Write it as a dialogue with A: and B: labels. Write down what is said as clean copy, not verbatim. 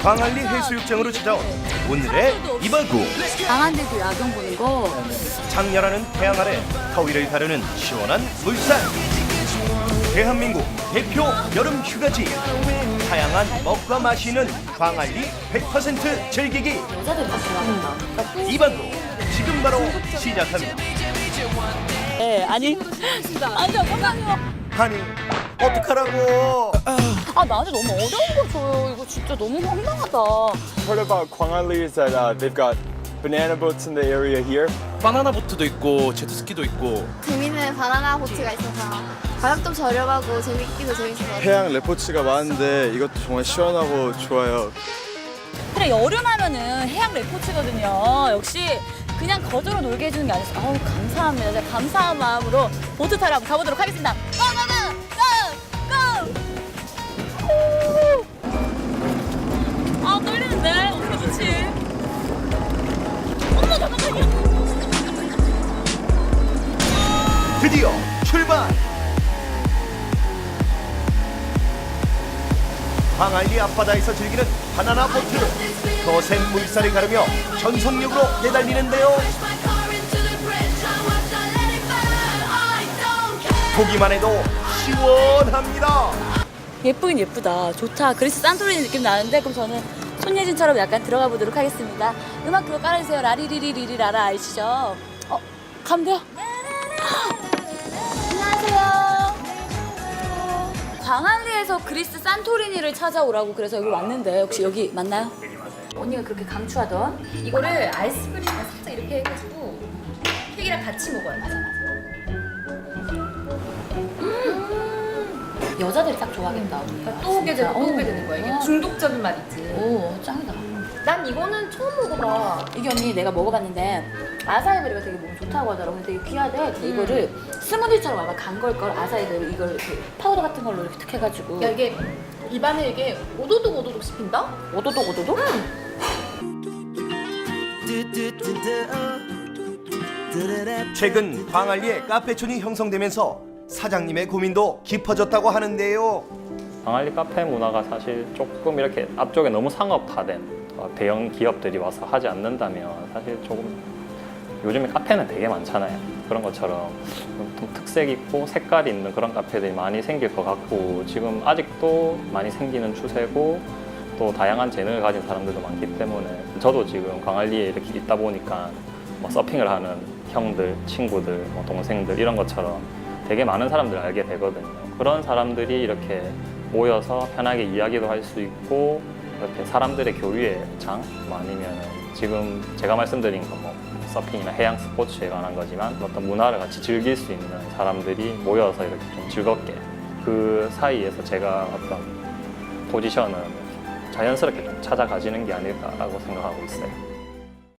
A: 광안리 해수욕장으로 찾아온 오늘의 이발구.
B: 강한데도 야경 보는 거.
A: 장렬하는 태양 아래 더위를 가르는 시원한 물살. 대한민국 대표 여름 휴가지. 다양한 먹과 마시 있는 광안리 100% 즐기기.
B: 여자들이 다 좋아한다.
A: 이발구 지금 바로 시작합니다.
B: 네, 아니. 아, 잠깐만요.
A: 아니 어떡하라고.
B: 아, 나한테 너무 어려운 거 줘요. 이거 진짜 너무 황당하다.
C: Heard about Gwangalli is that they've got banana boats in the area here.
D: 바나나 보트도 있고 제트스키도 있고.
E: 재밌는 바나나 보트가 있어서 가격도 저렴하고 재밌기도 재밌어서
C: 해양 레포츠가 많은데 이것도 정말 시원하고 좋아요.
B: 그래, 여름하면은 해양 레포츠거든요. 역시 그냥 거저로 놀게 해주는 게 아니었어. 아우, 감사합니다. 제가 감사한 마음으로 보트 타러 한번 가보도록 하겠습니다. 고! 아, 떨리는데? 어떻게 좋지? 어머, 잠깐만요.
A: 드디어 출발. 광안리 앞바다에서 즐기는 바나나 보트. 거센 물살을 가르며 전속력으로 내달리는데요. 보기만 해도 시원합니다.
B: 예쁘긴 예쁘다. 좋다. 그리스 산토리니 느낌 나는데, 그럼 저는 손예진처럼 약간 들어가 보도록 하겠습니다. 음악 그거 깔아주세요. 라리리리리라라 아시죠? 가면 돼요? 안녕하세요. 광안리에서 그리스 산토리니를 찾아오라고 그래서 여기 왔는데 혹시 여기 맞나요? 언니가 그렇게 강추하던 이거를 아이스크림에 살짝 이렇게 해가지고 케이크랑 같이 먹어요. 맞아. 여자들이 딱 좋아하겠다. 언니가.
F: 또 오게 되고 또 오게 되는 거야. 이게 중독적인 맛 있지.
B: 오, 짱이다.
F: 난 이거는 처음 먹어봐.
B: 이게 언니 내가 먹어봤는데 아사이베리가 되게 몸에 좋다고 하더라고. 근데 되게 귀하대. 이거를 스무디처럼 아마 간 걸걸. 아사이베리 이걸 이렇게 파우더 같은 걸로 이렇게 탁 해가지고.
F: 야, 이게 입안에 이게 오도독 오도독 씹힌다?
B: 오도독 오도독?
A: 최근 광안리에 카페촌이 형성되면서 사장님의 고민도 깊어졌다고 하는데요.
G: 광안리 카페 문화가 사실 조금 이렇게 앞쪽에 너무 상업화된 대형 기업들이 와서 하지 않는다면 사실 조금 요즘에 카페는 되게 많잖아요. 그런 것처럼 좀 특색 있고 색깔 있는 그런 카페들이 많이 생길 것 같고 지금 아직도 많이 생기는 추세고 또 다양한 재능을 가진 사람들도 많기 때문에 저도 지금 광안리에 이렇게 있다 보니까 뭐 서핑을 하는 형들, 친구들, 뭐 동생들 이런 것처럼 되게 많은 사람들을 알게 되거든요. 그런 사람들이 이렇게 모여서 편하게 이야기도 할 수 있고 이렇게 사람들의 교류의 장 뭐 아니면 지금 제가 말씀드린 거 뭐 서핑이나 해양 스포츠에 관한 거지만 어떤 문화를 같이 즐길 수 있는 사람들이 모여서 이렇게 좀 즐겁게 그 사이에서 제가 어떤 포지션을 자연스럽게 좀 찾아가지는 게 아닐까라고 생각하고 있어요.